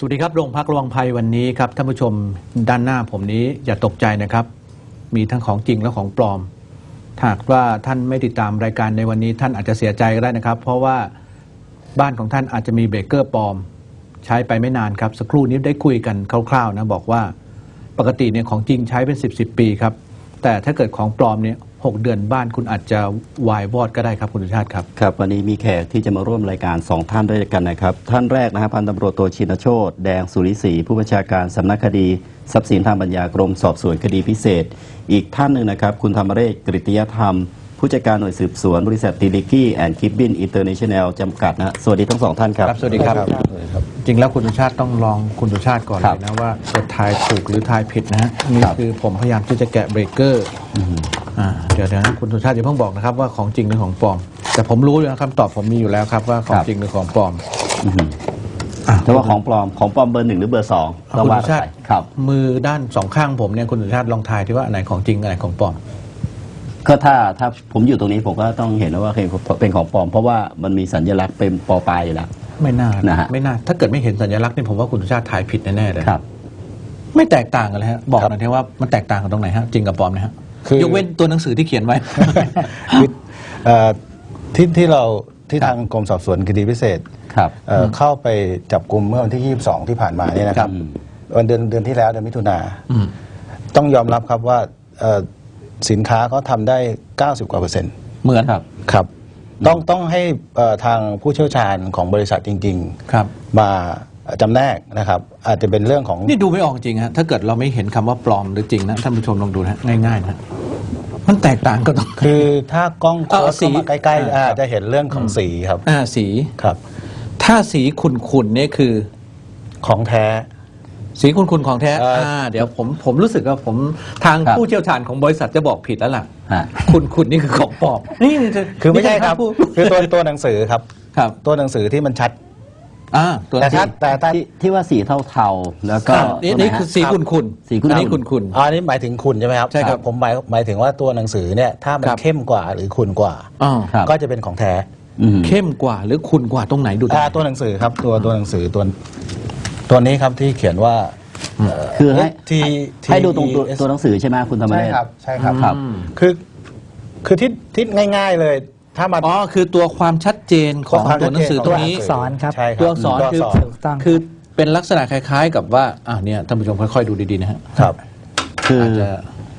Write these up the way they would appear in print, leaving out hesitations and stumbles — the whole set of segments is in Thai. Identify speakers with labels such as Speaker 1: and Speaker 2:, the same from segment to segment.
Speaker 1: วัสดีครับโรงพักระวังภัยวันนี้ครับท่านผู้ชมด้านหน้าผมนี้อย่าตกใจนะครับมีทั้งของจริงและของปลอมหากว่าท่านไม่ติดตามรายการในวันนี้ท่านอาจจะเสียใจก็ได้นะครับเพราะว่าบ้านของท่านอาจจะมีเบรกเกอร์ปลอมใช้ไปไม่นานครับสักครู่นี้ได้คุยกันคร่าวๆนะบอกว่าปกติเนี่ยของจริงใช้เป็น10 ปีครับแต่ถ้าเกิดของปลอมเนี่ย6 เดือนบ้านคุณอาจจะวายวอดก็ได้ครับคุณสุชาติครับ
Speaker 2: ครับวันนี้มีแขกที่จะมาร่วมรายการ2ท่านด้วยกันนะครับท่านแรกนะครับพันตำรวจโทชินโชติแดงสุริศรีผู้บัญชาการสำนักคดีทรัพย์สินทางปัญญากรมสอบสวนคดีพิเศษอีกท่านหนึ่งนะครับคุณธรรมเรศกฤติยธรรมผู้จัดการหน่วยสืบสวนบริษัทติลิกี้แอนด์คิปบินอินเตอร์เนชั่นแนลจำกัดนะสวัสดีทั้ง2ท่านครับ
Speaker 1: สวัสดีครับจริงแล้วคุณสุชาติต้องลองคุณสุชาติก่อนเลยนะว่าจะทายถูกหรือทายผิดนะฮะนี่คือผมพยายามที่จะแกะเบรกเกอร์เดี๋ยวนะคุณสุชาติอย่าเพิ่งบอกนะครับว่าของจริงหรือของปลอมแต่ผมรู้อยู่นะคำตอบผมมีอยู่แล้วครับว่าของจริงหรือของปลอม
Speaker 2: แต่ว่าของปลอมเบอร์ 1หรือเบอร์ 2
Speaker 1: คุณสุชาติมือด้าน2 ข้างผมเนี่ยคุณสุชาติลองทายที่ว่าอันไหนของจริงอันไหนของปลอม
Speaker 2: ก็ถ้าผมอยู่ตรงนี้ผมก็ต้องเห็นว่าเป็นของปลอมเพราะว่ามันมีสัญลักษณ์เป็นปอปลายอยู่แล้ว
Speaker 1: ไม่น่านะฮะไม่น่าถ้าเกิดไม่เห็นสัญลักษณ์นี่ผมว่าคุณสุชาติทายผิดแน่ๆเลย
Speaker 2: ครับ
Speaker 1: ไม่แตกต่างกันเลยฮะบอกหน่อยที่ว่ามันแตกต่างกันตรงไหนฮะจริงกับปลอมนะฮะยกเว้นตัวหนังสือที่เขียนไว้
Speaker 3: ที่ทางกรมสอบสวนคดีพิเศษเข้าไปจับกุมเมื่อวันที่22ที่ผ่านมาเนี่ยนะครับวันเดือนที่แล้วเดือนมิถุนาต้องยอมรับครับว่าสินค้าเขาทำได้90%กว่า
Speaker 1: เหมือน
Speaker 3: ครับต้องให้ทางผู้เชี่ยวชาญของบริษัทจริงๆมาจำแนกนะครับอาจจะเป็นเรื่องของ
Speaker 1: นี่ดูไม่ออกจริงฮะถ้าเกิดเราไม่เห็นคำว่าปลอมหรือจริงนะท่านผู้ชมลองดูนะง่ายๆนะมันแตกต่างก็ต้อง
Speaker 3: คือถ้ากล้องเข้ามาใกล้ๆจะเห็นเรื่องของสีครับ
Speaker 1: สี
Speaker 3: ครับ
Speaker 1: ถ้าสีขุ่นๆนี่คือ
Speaker 3: ของแท้
Speaker 1: สีขุ่นๆของแท้เดี๋ยวผมรู้สึกว่าผมทางผู้เชี่ยวชาญของบริษัทจะบอกผิดแล้วล่ะขุ่นนี่คือของปลอมนี่
Speaker 3: คือไม่ใช่ครับคือตัวหนังสือครับตัวหนังสือที่มันชัด
Speaker 1: แต่ชัด
Speaker 2: แต่ที่ว่าสีเทาๆแล้วก็
Speaker 1: นี่คือสีขุ่น
Speaker 2: สีขุ่น
Speaker 1: นี่ขุ่น
Speaker 3: อันนี้หมายถึงขุ่นใช่ไหมครับ
Speaker 1: ใช่ครับ
Speaker 3: ผมหมายถึงว่าตัวหนังสือเนี่ยถ้ามันเข้มกว่าหรือขุ่นกว่าก็จะเป็นของแท้
Speaker 1: เข้มกว่าหรือขุ่นกว่าตรงไหนดู
Speaker 3: ตัวหนังสือครับตัวหนังสือตัวนี้ครับที่เขียนว่า
Speaker 2: คือให้ดูตรงตัวหนังสือใช่ไหมคุณธรรมเรศ
Speaker 3: ใช่ครับคือที่ง่ายๆเลยถ้ามัน
Speaker 1: คือตัวความชัดเจนของตัวหนังสือตรงนี้
Speaker 4: สอนครับ
Speaker 1: ตัวอักษรคือเป็นลักษณะคล้ายๆกับว่าเนี่ยท่านผู้ชมค่อยๆดูดีๆนะฮะ
Speaker 3: ครับ
Speaker 1: คืออาจจะ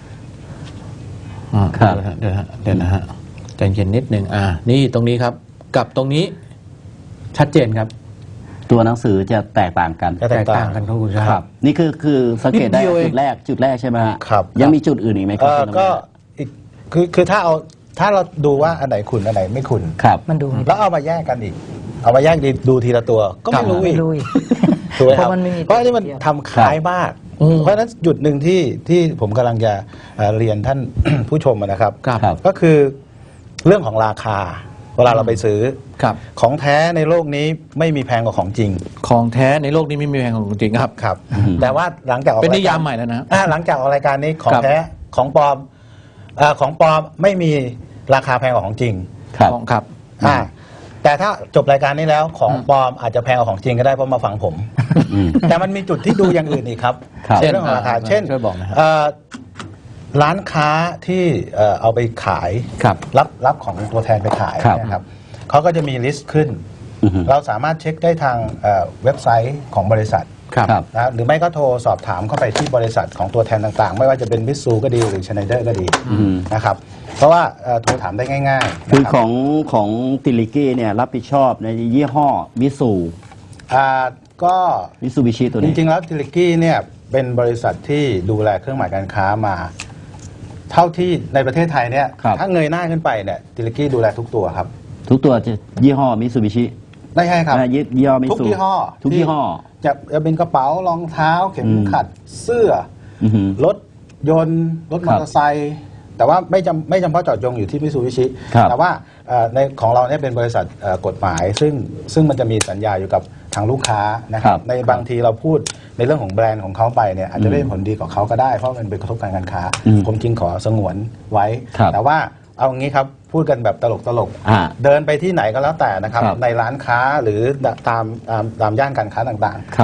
Speaker 1: เดี๋ยวนะฮะใจเย็นนิดนึงนี่ตรงนี้ครับกับตรงนี้ชัดเจนครับ
Speaker 2: ตัวหนังสือจะแตกต่างกัน
Speaker 1: ครับคุณชาติ
Speaker 2: นี่คือสังเกตได้จุดแรกใช่ไหม
Speaker 3: ครับ
Speaker 2: ยังมีจุดอื่นอีกไหมครับ
Speaker 3: ก็คือถ้าเราดูว่าอันไหนขุ่นอันไหนไม่ขุ่น
Speaker 4: มันดู
Speaker 3: แล้วเอามาแยกกันอีกเอามาแยกดูทีละตัวก็ไม่รู้อีกถูกไหมครับเพราะนี่มันทำคล้ายมากเพราะฉะนั้นจุดหนึ่งที่ผมกำลังจะเรียนท่านผู้ชมนะครับก็คือเรื่องของราคาเวลาเราไปซื้อของแท้ในโลกนี้ไม่มีแพงกว่าของจริง
Speaker 1: ของแท้ในโลกนี้ไม่มีแพงกว่าของจริง
Speaker 3: ครับแต่ว่าหลังจากออก
Speaker 1: เป็นนิยามใหม่แล้วนะ
Speaker 3: หลังจากออกรายการนี้ของแท้ของปลอมไม่มีราคาแพงกว่าของจริง
Speaker 1: ครับ
Speaker 3: แต่ถ้าจบรายการนี้แล้วของปลอมอาจจะแพงกว่าของจริงก็ได้เพราะมาฟังผมแต่มันมีจุดที่ดูอย่างอื่นอีกครับเรื่องของราคาเช่นร้านค้าที่เอาไปขายรับของตัวแทนไปขายนะครับเขาก็จะมีลิสต์ขึ้นเราสามารถเช็คได้ทางเว็บไซต์ของบริษัทนะหรือไม่ก็โทรสอบถามเข้าไปที่บริษัทของตัวแทนต่างๆไม่ว่าจะเป็นมิตซูก็ดีหรือชไนเดอร์ก็ดีนะครับเพราะว่าโทรถามได้ง่าย
Speaker 2: ๆคือของติลิกี้เนี่ยรับผิดชอบในยี่ห้อมิตซู
Speaker 3: ก็
Speaker 2: มิตซูบิชิตัวนี้
Speaker 3: จริงๆแล้วติลิกี้เนี่ยเป็นบริษัทที่ดูแลเครื่องหมายการค้ามาเท่าที่ในประเทศไทยเนี่ยถ้าเงยหน้าขึ้นไปเนี่ยติลิกี้ดูแลทุกตัวครับ
Speaker 2: ทุกตัวจะยี่ห้อมิตซูบิชิ
Speaker 3: ได้ใช่ครับ
Speaker 2: ยี่ห้อมิตซู
Speaker 3: ทุกยี่ห้อจะเป็นกระเป๋ารองเท้าเข็มขัดเสื้อรถยนต์รถมอเตอร์ไซค์แต่ว่าไม่จำเพาะเจาะจงอยู่ที่มิตซูบิชิแต่ว่าในของเราเนี่ยเป็นบริษัทกฎหมายซึ่งมันจะมีสัญญาอยู่กับทางลูกค้านะครับในบางทีเราพูดในเรื่องของแบรนด์ของเขาไปเนี่ยอาจจะได้ผลดีกับเขาก็ได้เพราะมันเป็นกระทบการค้าผมจึงขอสงวนไว้แต่ว่าเอางี้ครับพูดกันแบบตลกเดินไปที่ไหนก็แล้วแต่นะครับในร้านค้าหรือตามย่านการค้าต่าง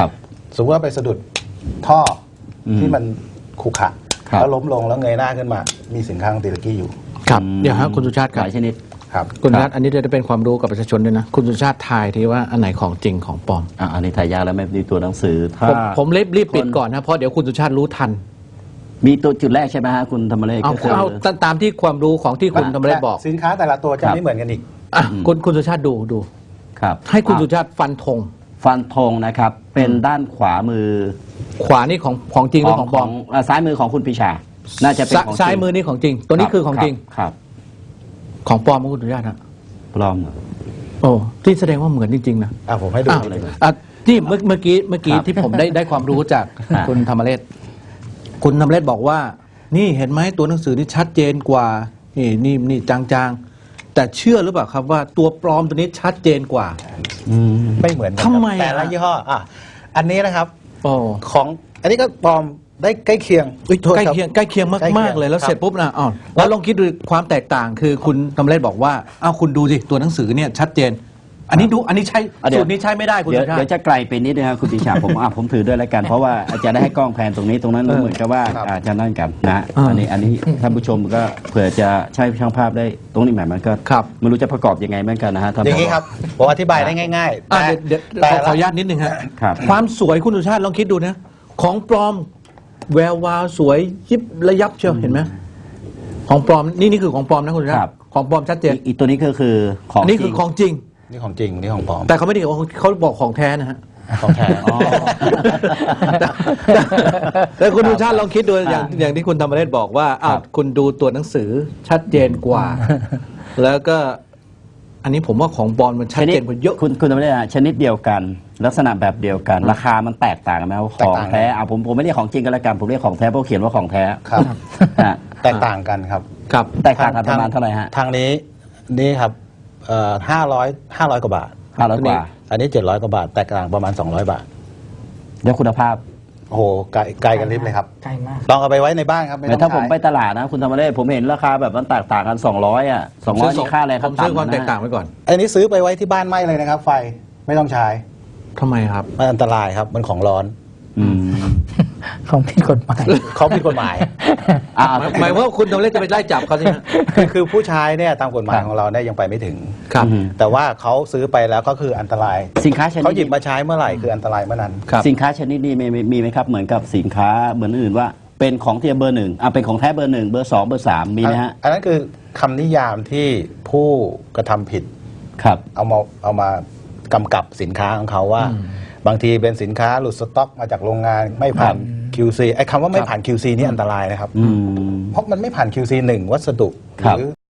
Speaker 3: สมมติว่าไปสะดุดท่ออ
Speaker 2: ม
Speaker 3: ที่มันขรุขระ
Speaker 2: ครับ
Speaker 3: แล้วล้มลงแล้วเงยหน้าขึ้นมา มีสินค้าของติลกี้อยู่
Speaker 1: ครับเดี๋ยวฮะคุณสุชาติค
Speaker 2: ห
Speaker 1: รับ
Speaker 2: ลายชนิด
Speaker 3: ครับ
Speaker 1: คุณสุชาติอันนี้จะเป็นความรู้กับประชาชนด้วยนะคุณสุชาติทายทีว่าอันไหนของจริงของปลอม
Speaker 2: อันนี้ถ่ายยากแล้วไม่มีตัวหนังสือถ้า
Speaker 1: ผมรีบปิดก่อนนะเพราะเดี๋ยวคุณสุชาติรู้ทัน
Speaker 2: มีตัวจุดแรกใช่ไหมฮะคุณธรรมเลข
Speaker 1: เอา
Speaker 2: ก็คือ
Speaker 1: ตามที่ความรู้ของที่คุณธรรมเรศบอก
Speaker 3: สินค้าแต่ละตัวจะ
Speaker 2: ครับ
Speaker 3: ไม่เหมือนกันอีก
Speaker 1: อ่ะคุณสุชาติดู
Speaker 2: ครับ
Speaker 1: ให้คุณสุชาติฟันธง
Speaker 2: ฟันธงนะครับ เป็นด้านขวามือ
Speaker 1: ขวานี่ของจริงหรือของปลอม
Speaker 2: ซ้ายมือของคุณปีชา น่าจะเป็นของจริง
Speaker 1: ซ้ายมือนี่ของจริง ตัวนี้คือของจริง
Speaker 2: ครับ
Speaker 1: ของปลอมของคุณสุชาตินะ
Speaker 2: ปลอมเหรอ
Speaker 1: โอ้ที่แสดงว่าเหมือนจริงๆนะ
Speaker 3: ผมให้ดู
Speaker 1: อ้าว
Speaker 3: นิดนึง
Speaker 1: อ่ะที่เมื่อกี้
Speaker 2: ครับ
Speaker 1: ที่ผมได้ความรู้จาก
Speaker 2: อ่า
Speaker 1: คุณธรรมเรศคุณธรรมเรศบอกว่า นี่เห็นไหมตัวหนังสือนี่ชัดเจนกว่า นี่จางๆ แต่เชื่อหรือเปล่าครับว่าตัวปลอมตัวนี้ชัดเจนกว่า
Speaker 3: ไม่เหมือนกัน
Speaker 1: ทำไม
Speaker 3: แต่ละ
Speaker 1: อ่ะ
Speaker 3: ยี่ห้ออันนี้นะครับ
Speaker 1: โอ้
Speaker 3: ของอันนี้ก็ปลอมได้ใกล้เคียงอุ๊ยโทษ
Speaker 1: ใกล้
Speaker 3: ครับ
Speaker 1: เคียงใกล้เคียง
Speaker 3: ใกล้เคีย
Speaker 1: มาง กๆเลยแล้ว
Speaker 3: ครับ
Speaker 1: เสร็จปุ๊บนะอ้าวแล้วลองคิดดูความแตกต่างคือคุณธรรมเรศบอกว่าอ้าวคุณดูสิตัวหนังสือเนี่ยชัดเจน อันนี้ใช่
Speaker 2: เดี๋ยว
Speaker 1: สูตรนี้ใช้ไม่ได้คุณ
Speaker 2: เดี๋ยว
Speaker 1: สุชา
Speaker 2: เดี๋ยว
Speaker 1: ติ
Speaker 2: จะไกลไปนิดนึงครับคุณปีชา ผมถือด้วยแล้วกัน เพราะว่าจะได้ให้กล้องแพนตรงนี้ตรงนั้นเหมือนกับว่า
Speaker 3: ครับ
Speaker 2: อาจจะนั่นกันนะ
Speaker 1: อ่า
Speaker 2: อันนี้ท่านผู้ชมก็เผื่อจะใช้ช่างภาพได้ตรงนี้หมายมันก็
Speaker 1: ครับ
Speaker 2: ไม่รู้จะประกอบยังไงเหมือนกันนะฮะท่าน
Speaker 3: อย่างนี้ครับผมอธิบายได้ง่ายๆ
Speaker 1: อ่ะ
Speaker 3: แต่
Speaker 1: เดี๋ยว
Speaker 3: แต่
Speaker 1: ขออนุ
Speaker 3: ละ
Speaker 1: ญาตนิดนึงฮะ
Speaker 2: ครับ
Speaker 1: ความสวยคุณสุชาติลองคิดดูนะ ของปลอมแวววาวสวยยิบระยับเชียวเห็นไหมของปลอมนี่คือของปลอมนะคุณสุชา
Speaker 2: ครั
Speaker 1: ติ
Speaker 2: บ
Speaker 1: ของปลอมชัดเจน
Speaker 2: อีกตัวนี้ก็คือของ
Speaker 1: นี่
Speaker 2: จ
Speaker 1: คื
Speaker 2: ริ
Speaker 1: อง ของจริง
Speaker 3: นี่ของจริงนี่ของปลอม
Speaker 1: แต่เขาไม่ได้บอกเขาบอกของแท้นะฮะ
Speaker 3: ของแท้
Speaker 2: อ๋อ
Speaker 1: แต่คุณสุชาติลองคิดดูอย่างที่คุณธรรมเรศบอกว่าอ้าวคุณดูตัวหนังสือชัดเจนกว่า แล้วก็ อันนี้ผมว่าของปลอมมันชัดเจนกว่าเยอะ
Speaker 2: คุณทำได้ชนิดเดียวกัน ลักษณะแบบเดียวกัน ราคามันแตกต่างกันไหมว่าของแท้ผมไม่เรียกของจริงกันละกันผมเรียกของแท้เพราะเขียนว่าของแท้
Speaker 3: ครับ
Speaker 2: ฮะ
Speaker 3: แตกต่างกันครับ
Speaker 1: ครับ
Speaker 2: แตกต่างกันประมาณเท่าไหร่ฮะ
Speaker 3: ทางนี้นี่ครับ500 กว่าบาท
Speaker 2: 500 กว่า
Speaker 3: อันนี้700 กว่าบาทแตกต่างประมาณ200 บาท
Speaker 2: แล้วคุณภาพ
Speaker 3: โอ้โหไกลกันลิฟต์เลยครับ
Speaker 4: ใกล้มาก
Speaker 3: ลองเอาไปไว้ในบ้านครับไม่
Speaker 2: แต่
Speaker 3: ต้
Speaker 2: ถ้า
Speaker 3: อง
Speaker 2: ผม
Speaker 3: ใช้
Speaker 2: ไปตลาดนะ คุณธรรมเรศผมเห็นราคาแบบมันแตกต่างกัน200อ่ะ200นี่ค่าอะไร
Speaker 1: ผมซื้อความแตกต่างไว้ก่อน
Speaker 3: อันนี้ซื้อไปไว้ที่บ้านไม่เลยนะครับ ไฟไม่ต้องใช้
Speaker 1: ทำไมครับ
Speaker 3: มันอันตรายครับมันของร้อน
Speaker 2: อืม
Speaker 4: ของผิดกฎหมาย
Speaker 3: เขาผิดกฎหมาย
Speaker 1: หมายว่าคุณธรรมเรศจะไปไล่จับเขาใช่ไหม
Speaker 3: คือผู้ชายเนี่ยตามกฎหมาย
Speaker 2: ครับ
Speaker 3: ของเราเนี่ยยังไปไม่ถึง
Speaker 1: ครับ
Speaker 2: อืม
Speaker 3: แต่ว่าเขาซื้อไปแล้วก็คืออันตราย
Speaker 2: สินค้าชนิด
Speaker 3: เขาหยิบมาใช้เมื่อไหร่คืออันตรายเมื่อนั้น
Speaker 1: ครับ
Speaker 2: สินค้าชนิดนี้มีไหมครับเหมือนกับสินค้าเหมือนอื่นว่าเป็นของเทียมเบอร์หนึ่งเป็นของแท้เบอร์หนึ่งเบอร์สองเบอร์สามมีไหมฮะ
Speaker 3: อันนั้นคือคำนิยามที่ผู้กระทำผิด
Speaker 2: ครับ
Speaker 3: เอามากำกับสินค้าของเขาว่า บางทีเป็นสินค้าหลุดสต็อกมาจากโรงงานไม่ผ่าน QC ไอ้คำว่าไม่ผ่าน QC นี่อันตรายนะครับ
Speaker 2: อืม
Speaker 3: เพราะมันไม่ผ่าน QC 1 วัสดุห
Speaker 2: ครับ
Speaker 3: รือ